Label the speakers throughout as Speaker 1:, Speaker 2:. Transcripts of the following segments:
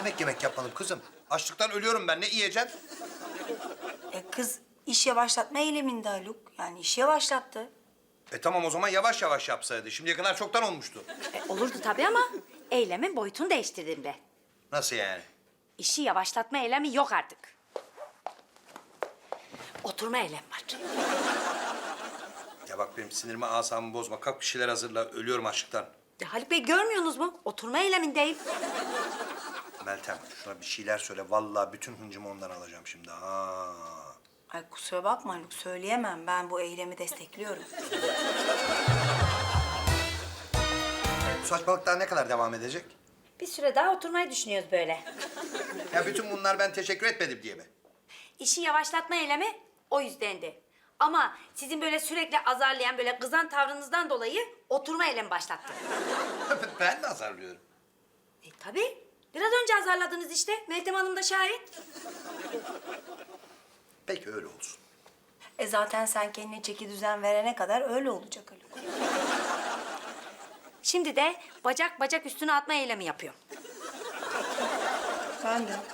Speaker 1: demek yemek yapmadım kızım? Açlıktan ölüyorum ben. Ne yiyeceğim?
Speaker 2: Kız iş yavaşlatma eyleminde Haluk. Yani işi yavaşlattı.
Speaker 1: Tamam o zaman yavaş yavaş yapsaydı. Şimdiye kadar çoktan olmuştu.
Speaker 3: Olurdu tabii ama eylemin boyutunu değiştirdim ben.
Speaker 1: Nasıl yani?
Speaker 3: İşi yavaşlatma eylemi yok artık. Oturma eylemi var.
Speaker 1: Ya bak benim sinirimi, asabımı bozma. Kalk bir şeyler hazırla. Ölüyorum açlıktan.
Speaker 3: Ya Haluk Bey görmüyorsunuz mu? Oturma eylemindeyim.
Speaker 1: Meltem şuna bir şeyler söyle. Vallahi bütün hıncımı ondan alacağım şimdi. Ha.
Speaker 2: Ay kusura bakma Haluk, söyleyemem. Ben bu eylemi destekliyorum.
Speaker 1: Bu saçmalık daha ne kadar devam edecek?
Speaker 3: Bir süre daha oturmayı düşünüyoruz böyle.
Speaker 1: Ya bütün bunlar ben teşekkür etmedim diye mi?
Speaker 3: İşi yavaşlatma eylemi o yüzdendi. Ama sizin böyle sürekli azarlayan, böyle kızan tavrınızdan dolayı oturma eylemi başlattım.
Speaker 1: Ben de azarlıyorum.
Speaker 3: Tabii. Biraz önce azarladınız işte. Meltem Hanım da şahit.
Speaker 1: Peki öyle olsun.
Speaker 2: Zaten sen kendine çeki düzen verene kadar öyle olacak Haluk.
Speaker 3: Şimdi de bacak bacak üstüne atma eylemi yapıyorum.
Speaker 2: Ben de.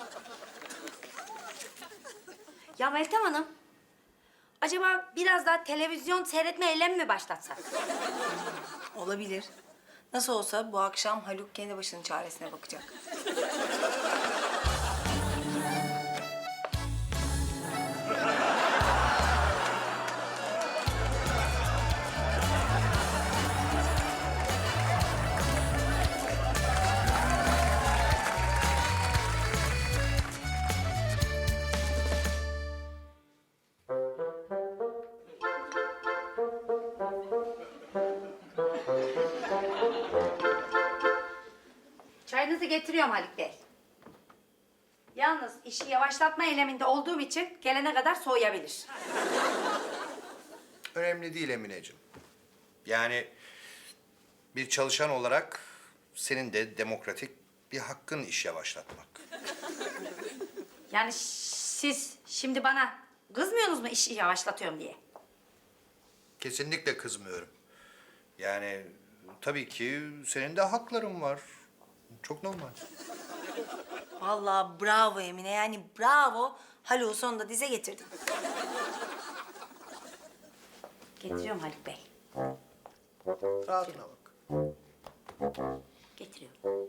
Speaker 3: Ya Meltem Hanım, acaba biraz daha televizyon seyretme eylemi mi başlatsak?
Speaker 2: Olabilir. Nasıl olsa bu akşam Haluk kendi başının çaresine bakacak.
Speaker 3: Çayınızı getiriyorum Haluk Bey. Yalnız işi yavaşlatma eyleminde olduğum için gelene kadar soğuyabilir.
Speaker 1: Önemli değil Emineciğim. Yani bir çalışan olarak senin de demokratik bir hakkın iş yavaşlatmak.
Speaker 3: Yani siz şimdi bana kızmıyorsunuz mu işi yavaşlatıyorum diye?
Speaker 1: Kesinlikle kızmıyorum. Yani tabii ki senin de hakların var. Çok normal.
Speaker 2: Vallahi bravo Emine, yani bravo. Haluk'u sonunda dize getirdin.
Speaker 3: Getiriyorum Haluk Bey.
Speaker 1: Rahatına bak.
Speaker 3: Getiriyorum.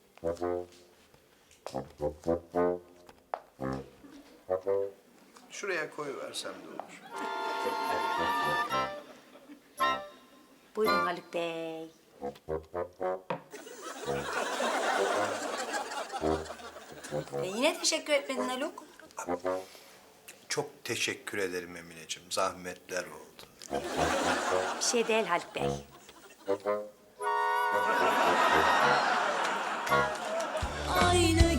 Speaker 1: Şuraya koyuversem de olur.
Speaker 3: Buyurun Haluk Bey.
Speaker 2: Yine teşekkür etmedin Haluk.
Speaker 1: Çok teşekkür ederim Emineciğim. Zahmetler oldu.
Speaker 3: Bir şey değil Haluk Bey.
Speaker 4: Aynı